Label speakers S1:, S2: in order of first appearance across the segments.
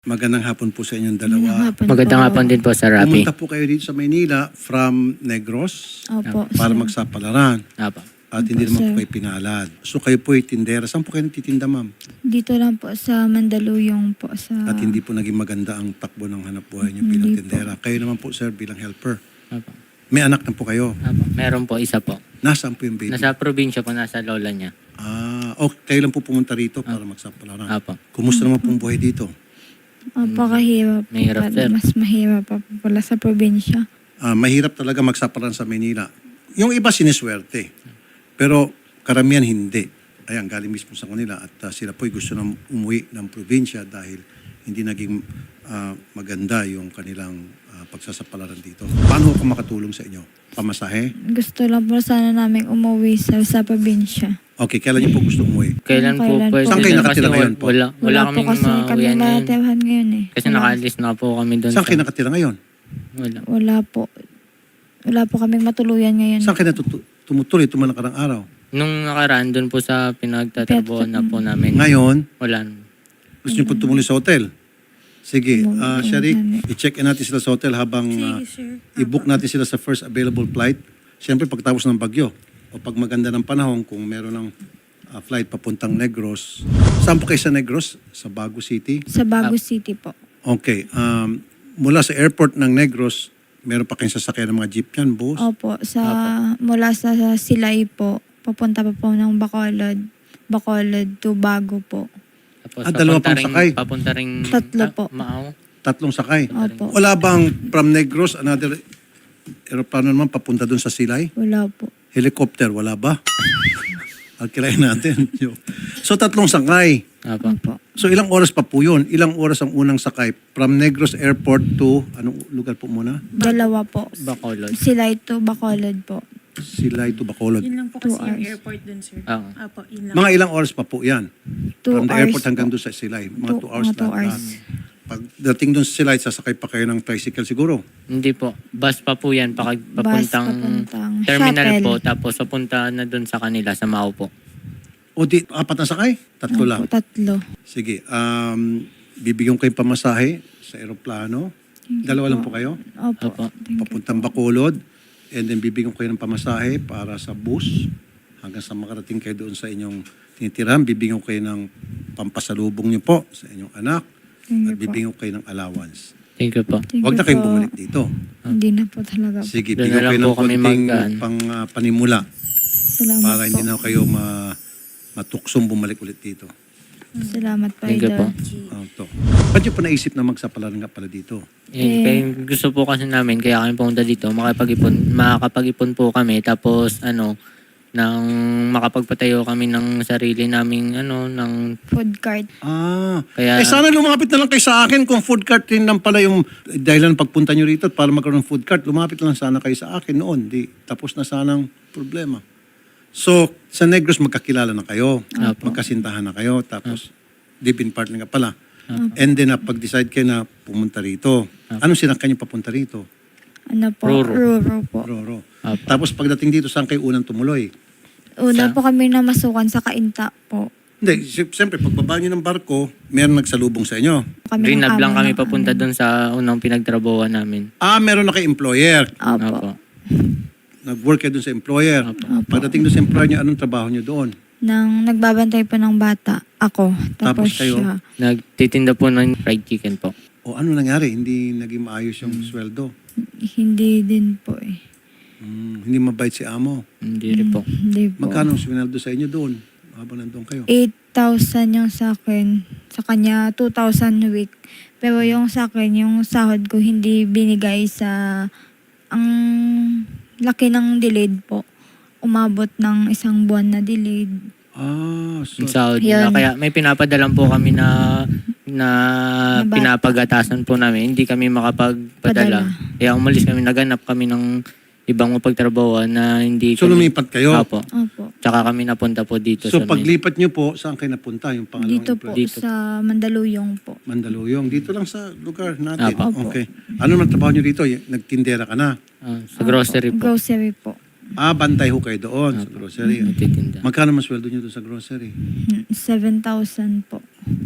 S1: Magandang hapon po sa inyong dalawa.
S2: Magandang hapon din po sa Rapi.
S1: Pumunta po kayo dito sa Maynila from Negros
S3: Opo,
S1: para
S3: sir.
S1: magsapalaran.
S2: Apo.
S1: At hindi
S3: Opo,
S1: naman po
S3: sir.
S1: kayo pinalad. So kayo po ay tindera. Saan po kayo nagtitinda, ma'am?
S3: Dito lang po sa Mandaluyong po sa...
S1: At hindi po naging maganda ang takbo ng hanap buhay niyo bilang
S3: Hindi po.
S1: tindera. Kayo naman po, sir, bilang helper.
S2: Apo.
S1: May anak na po kayo.
S2: Apo. Meron po isa po.
S1: Nasaan po yung baby?
S2: Nasa probinsya po, nasa lola niya.
S1: Kayo lang po pumunta rito para magsapalaran.
S2: Apo.
S1: Kumusta naman pong buhay dito?
S3: Opo, kahirap.
S2: Mahirap, sir.
S3: Mas mahirap pa po pala sa probinsya.
S1: Mahirap talaga magsapalaran sa Maynila. Yung iba siniswerte. Pero karamihan hindi. Ayan, galing mismo sa kanila. At sila po'y gusto na umuwi ng probinsya dahil hindi naging maganda yung kanilang pagsasapalaran dito. Paano ako makatulong sa inyo? Pamasahe?
S3: Gusto lang po sana namin umuwi sa probinsya.
S1: Okay, kailan niyo po gusto umuwi?
S2: Kailan po
S3: Kailan
S2: pwede?
S3: po?
S1: Saan kayo
S2: Kasi
S1: nakatira ngayon po?
S2: Wala
S3: Wala po
S2: kaming
S3: kasi kami
S2: mauwian ngayon.
S3: natirahan ngayon eh.
S2: Kasi nakaalis na po kami doon.
S1: Saan kayo nakatira ngayon?
S2: Wala.
S3: Wala po. Wala po kaming matuluyan ngayon.
S1: Saan kayo tumutuloy itong mga nakarang araw?
S2: Nung nakaraan doon po sa pinagtatrabuhan na po namin.
S1: Ngayon,
S2: Wala.
S1: gusto niyo po tumuloy sa hotel? Sige,
S3: Umuwi
S1: Sharik,
S3: kami.
S1: i-check in natin sila sa hotel habang i-book natin sila sa first available flight. Siyempre, pagtapos ng bagyo o pag maganda ng panahon, kung meron ng flight papuntang Negros. Saan po kayo sa Negros? Sa Bago City?
S3: Sa Bago City po.
S1: Okay. Mula sa airport ng Negros, meron pa kayong sasakyan ng mga jeep yan, bus?
S3: Opo, mula sa Silay po, papunta pa po ng Bacolod. Bacolod to Bago po.
S2: Tapos
S1: dalawa
S2: papunta
S1: pang sakay?
S2: Papunta ring
S3: Tatlo po.
S2: Maaw.
S1: 3 sakay.
S3: Opo.
S1: Wala bang from Negros, another aeroplano naman papunta dun sa Silay?
S3: Wala po.
S1: Helicopter, wala ba? Alkilayin natin. So 3 sakay.
S2: Apo.
S3: Opo.
S1: So ilang oras pa po yun? Ilang oras ang unang sakay? From Negros Airport to, anong lugar po muna?
S3: Dalawa po.
S2: Bacolod.
S3: Silay to Bacolod po.
S1: Silay to Bacolod.
S4: Yun lang po
S3: 2
S4: kasi yung
S3: hours.
S4: airport dun, sir.
S2: Oo.
S4: Apo, yun lang.
S1: Mga ilang oras pa po yan?
S3: 2
S1: From the
S3: hours
S1: airport hanggang
S3: po.
S1: doon sa Silay. Mga 2 hours
S3: Mga 2 hours.
S1: Pagdating doon sa Silay, sasakay pa kayo ng tricycle siguro.
S2: Hindi po. Bus pa po yan. Papuntang
S3: papuntang
S2: terminal
S3: shuttle.
S2: po. Tapos papunta na doon sa kanila, sa Maaw po.
S1: O di, 4 na sakay? 3 lang.
S3: Opo, 3.
S1: Sige, bibigyan ko yung pamasahe sa aeroplano. Dalawa lang po kayo?
S3: Opo.
S2: Opo.
S3: Thank you.
S1: Papuntang Bacolod. And then bibigyan ko kayo ng pamasahe para sa bus. Hanggang sa makarating kayo doon sa inyong tinitirahan. Bibigyan ko kayo ng pampasalubong niyo po sa inyong anak.
S3: Thank
S1: At
S3: you po.
S1: bibigyan ko kayo ng allowance.
S2: Thank you po.
S3: Thank
S1: Huwag
S3: you
S1: na kayong
S3: po.
S1: bumalik dito.
S3: Hindi na po talaga po.
S1: Sige,
S2: Doon
S1: bigyan
S2: na lang
S1: kayo ng
S2: po kami
S1: konting panimula
S3: Salamat
S1: para
S3: po.
S1: hindi na kayo matuksong bumalik ulit dito.
S3: Salamat po,
S2: Thank you po.
S1: To. Ba't nyo pa naisip na magsapalaran nga pala dito?
S2: Kaya gusto po kasi namin, kaya kami pumunta dito, makakapag-ipon po kami, tapos nang makapagpatayo kami ng sarili naming ng
S3: Food cart.
S2: kaya
S1: Sana lumapit na lang kayo sa akin kung food cart rin lang pala yung dahilan pagpunta nyo rito at para magkaroon ng food cart. Lumapit lang sana kayo sa akin noon. Di, tapos na sanang problema. So, sa Negros magkakilala na kayo.
S2: Apo.
S1: Magkasintahan na kayo. Tapos, deep in partner ka pala. And then, pag-decide kayo na pumunta rito. Anong sinakyan nyo papunta rito?
S3: Ano po?
S2: Ruro.
S3: Ruro po.
S1: Roro.
S2: Apo.
S1: Tapos, pagdating dito, saan kayo unang tumuloy?
S3: Una po kami namasukan sa Kainta po.
S1: Hindi, siyempre, pagbaba nyo ng barko, meron nagsalubong sa inyo.
S3: Kami ng
S2: Rinab lang
S3: amo
S2: kami
S3: ng
S2: papunta
S3: amin.
S2: doon sa unang pinagtrabuhan namin.
S1: Meron na kayo employer.
S3: Opo.
S2: Apo.
S1: Nag-work kayo doon sa employer.
S2: Opo.
S1: Pagdating doon sa employer nyo, anong trabaho nyo doon?
S3: Nang nagbabantay po ng bata, ako.
S1: Tapos
S3: Tapos
S1: kayo?
S3: siya.
S2: Nagtitinda po ng fried chicken po.
S1: O ano nangyari? Hindi naging maayos yung sweldo.
S3: Hindi din po eh.
S1: Hindi mabait si amo.
S2: Hindi rin po.
S3: Hindi po.
S1: Magkano ang sweldo sa inyo doon? Habang nandun kayo.
S3: 8,000 yung sa akin. Sa kanya, 2,000 a week. Pero yung sa akin, yung sahod ko hindi binigay sa... Ang laki ng delayed po. Umabot ng 1 buwan na delayed.
S1: So,
S2: Yung sahod
S3: Yun.
S2: nila. Kaya may pinapadalan po kami na
S3: bata.
S2: pinapagatasan po namin. Hindi kami makapagpadala.
S3: Padala.
S2: Kaya umalis kami, naganap kami ng ibang mapagtrabaho na hindi
S1: so
S2: kami...
S1: lumipat kayo?
S2: Apo.
S3: Opo.
S2: Tsaka kami napunta po dito
S1: So
S2: sa
S1: paglipat nyo po, saan kayo napunta? Yung pangalawang
S3: Dito po,
S1: employer?
S2: Dito.
S3: sa Mandaluyong po.
S1: Mandaluyong. Dito lang sa lugar natin.
S2: Apo.
S1: Okay. Ano naman trabaho nyo dito? Nagtindera ka na?
S2: sa grocery po.
S3: Grocery po.
S1: Bantay ho kayo doon sa grocery.
S2: Nagtitinda.
S1: Magkano mas sweldo nyo doon sa grocery?
S3: 7,000 po.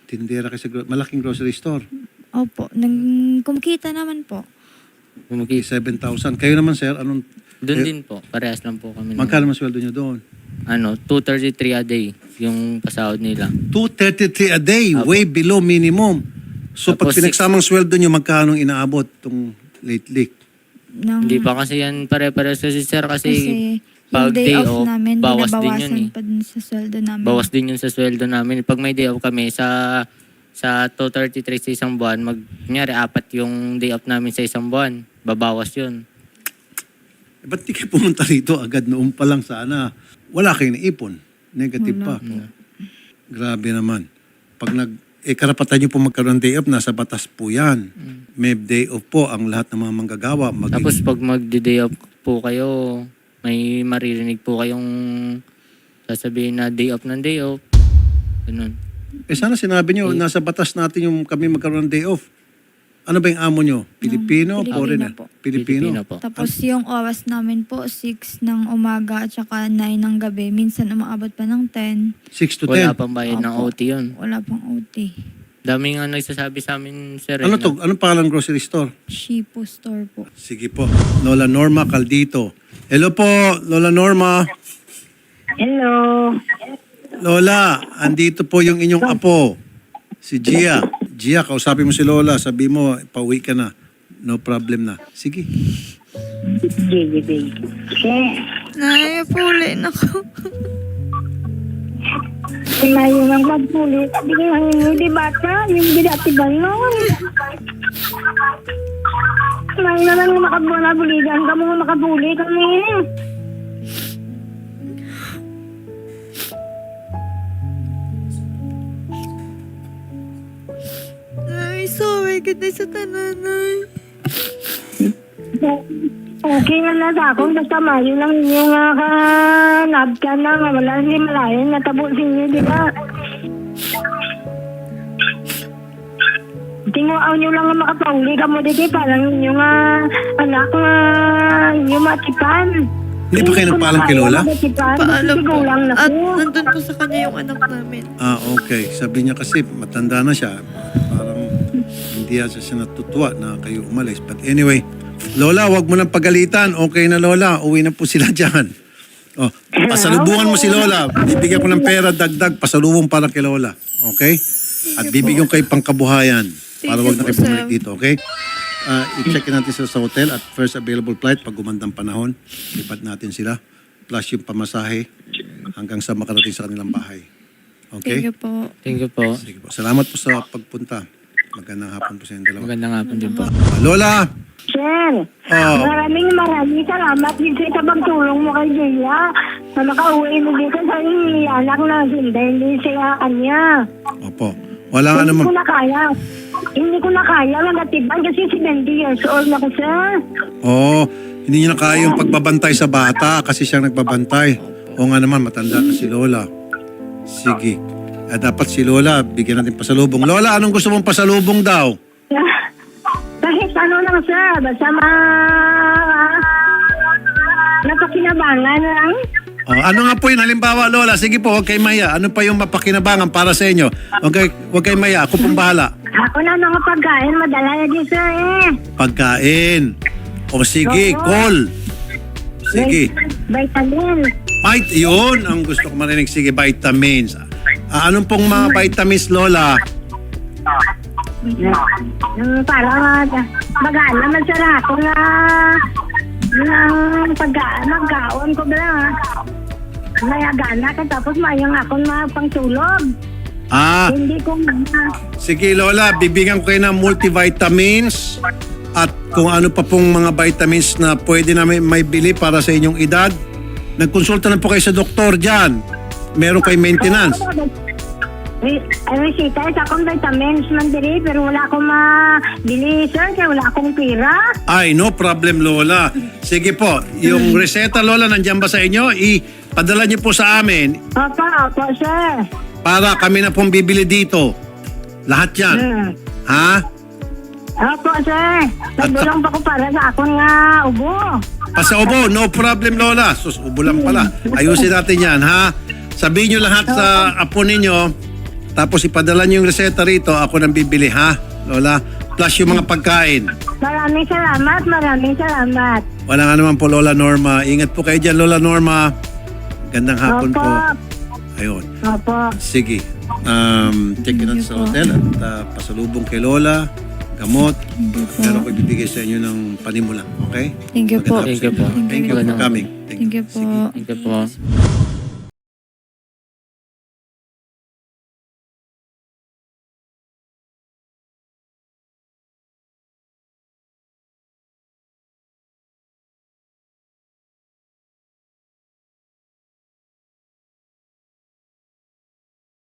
S1: Tindera kasi malaking grocery store.
S3: Opo, kumikita naman po.
S2: Kumikita.
S1: 7,000. Kayo naman, sir, anong
S2: Doon din po. Parehas lang po kami.
S1: magkano mas sweldo nyo doon?
S2: 233 a day yung pasahod nila.
S1: 233 a day, way below minimum. So pag
S2: Tapos
S1: pinagsamang sweldo nyo, magkano inaabot itong lately?
S2: Hindi pa kasi yan pare-parehas kasi sir kasi
S3: Yung
S2: pag
S3: day
S2: day
S3: off
S2: off,
S3: namin,
S2: bawas din yun
S3: binabawasan
S2: eh.
S3: pa dun sa sweldo namin.
S2: Bawas din yun sa sweldo namin. Pag may day off kami sa 233 sa isang buwan, kunyari 4 yung day off namin sa isang buwan, babawas yun.
S1: Ba't di kayo pumunta rito agad noon pa lang sana? Wala kayong naipon. Negative pa. Grabe naman. Pag karapatan nyo po magkaroon ng day off, nasa batas po yan. May day off po ang lahat ng mga manggagawa.
S2: Tapos pag mag-day off po kayo, may maririnig po kayong sasabihin na day off ng day off. Ganun.
S1: sana sinabi nyo, nasa batas natin yung kami magkaroon ng day off. Ano ba yung amo nyo? Pilipino?
S3: Pilipino
S1: Foreigner?
S3: po.
S1: Pilipino.
S2: po.
S3: Tapos yung oras namin po, 6 ng umaga at saka 9 ng gabi. Minsan umaabot pa ng 10.
S1: 6 to
S2: Wala
S1: 10.
S2: pang bayad ng
S3: Opo.
S2: OT yun.
S3: Wala pang OT.
S2: Daming nga nagsasabi sa amin, sir.
S1: Ano to? Anong pangalan ng grocery store?
S3: Shipo store po.
S1: Sige po. Lola Norma Caldito. Hello po, Lola Norma.
S4: Hello.
S1: Lola, andito po yung inyong apo, si Gia. Gia, kausapin mo si Lola. Sabi mo, pauwi ka na. No problem na. Sige.
S4: Gigi baby.
S3: Nay, puli na ko.
S4: Kumayo ng magpulit. Sabi ko lang yung di bata, yung binatibal nun. Kumayo na lang makabuligan ka mo makabuli kami.
S3: Nay, sorry kita sa tananay.
S4: Okay nga na sa akong basta mayo lang yung kanab ka na nga wala hindi malayan natabo sa inyo, di ba? Tinguaw nyo lang nga makapauli ka mo dito parang yung anak nga yung matipan.
S1: Hindi pa kayo nagpaalam kay Lola?
S3: Paalam po.
S4: Lang na
S3: At
S4: po.
S3: nandun po sa kanya yung anak namin.
S1: Okay. Sabi niya kasi, matanda na siya. Parang hindi siya natutuwa na kayo umalis. But anyway, Lola, wag mo nang pagalitan. Okay na, Lola. Uwi na po sila dyan. Oh, pasalubungan mo si Lola. Bibigyan ko ng pera, dagdag, pasalubong para kay Lola. Okay? At bibigyan ko kayo pangkabuhayan. Para wag na kayo bumalik dito, okay? I-check natin sila sa hotel at first available flight pag gumandang panahon. Lipat natin sila. Plus yung pamasahe hanggang sa makarating sa kanilang bahay. Okay?
S3: Thank you po.
S2: Thank you po.
S1: Sige po. Salamat po sa pagpunta. Magandang hapon po sa inyong dalawa.
S2: Magandang hapon din po.
S1: Lola!
S4: Sir,
S1: Oh.
S4: maraming salamat dito sa pagtulong mo kay Julia na makauwi mo dito sa anak na hindi siya kanya.
S1: Opo. Wala nga
S4: Hindi
S1: naman.
S4: ko na kaya. Hindi ko na kaya magatiban kasi 70 years old na ko, sir.
S1: Oo. Hindi niya na kaya yung pagbabantay sa bata kasi siyang nagbabantay. O nga naman, matanda na si Lola. Sige. Dapat si Lola, bigyan natin pasalubong. Lola, anong gusto mong pasalubong daw?
S4: Kahit ano lang, sir. Basta napakinabangan lang.
S1: Ano nga po yun? Halimbawa, Lola, sige po, huwag kayo maya. Ano pa yung mapakinabangan para sa inyo? Huwag kayo maya. Ako pong bahala.
S4: Ako na mga pagkain, madala na din, sir,
S1: Pagkain. O sige, call. Sige.
S4: Vitamin.
S1: Yun ang gusto ko marinig. Sige, vitamins. Anong pong mga vitamins, Lola?
S4: Parang magana man sa ako na magkaon ko ba mayagana ka tapos mayang ako na pangtulog. Hindi ko
S1: Sige, Lola, bibigyan ko kayo ng multivitamins at kung ano pa pong mga vitamins na pwede namin may bili para sa inyong edad. Nagkonsulta na po kayo sa doktor dyan. Meron kayo maintenance.
S4: Resita sa akong vitamins man diri pero wala akong mabili, sir, kaya wala akong pira.
S1: Ay, no problem, Lola. Sige po, yung reseta, Lola, nandiyan ba sa inyo? Ipadala niyo po sa amin
S4: Opo, sir.
S1: para kami na pong bibili dito. Lahat yan. Ha?
S4: Opo, sir. Nagulong pa ko para sa akong ubo.
S1: Sa ubo, no problem, Lola. Ubo lang pala. Ayusin natin yan, ha? Sabihin nyo lahat sa apo ninyo Tapos ipadala niyo yung reseta rito, ako nang bibili, ha, Lola? Plus yung mga pagkain.
S4: Maraming salamat, maraming salamat.
S1: Wala nga naman po, Lola Norma. Ingat po kayo dyan, Lola Norma. Gandang hapon
S4: Opo.
S1: po. Ayun.
S4: Opo.
S1: Sige. Check in sa hotel at pasalubong kay Lola, gamot.
S3: Thank you po.
S1: Pero ako ibibigay sa inyo ng panimula. Okay?
S3: Thank you po.
S2: Thank you po.
S1: Thank you for coming.
S3: Thank you po.
S2: Thank you po.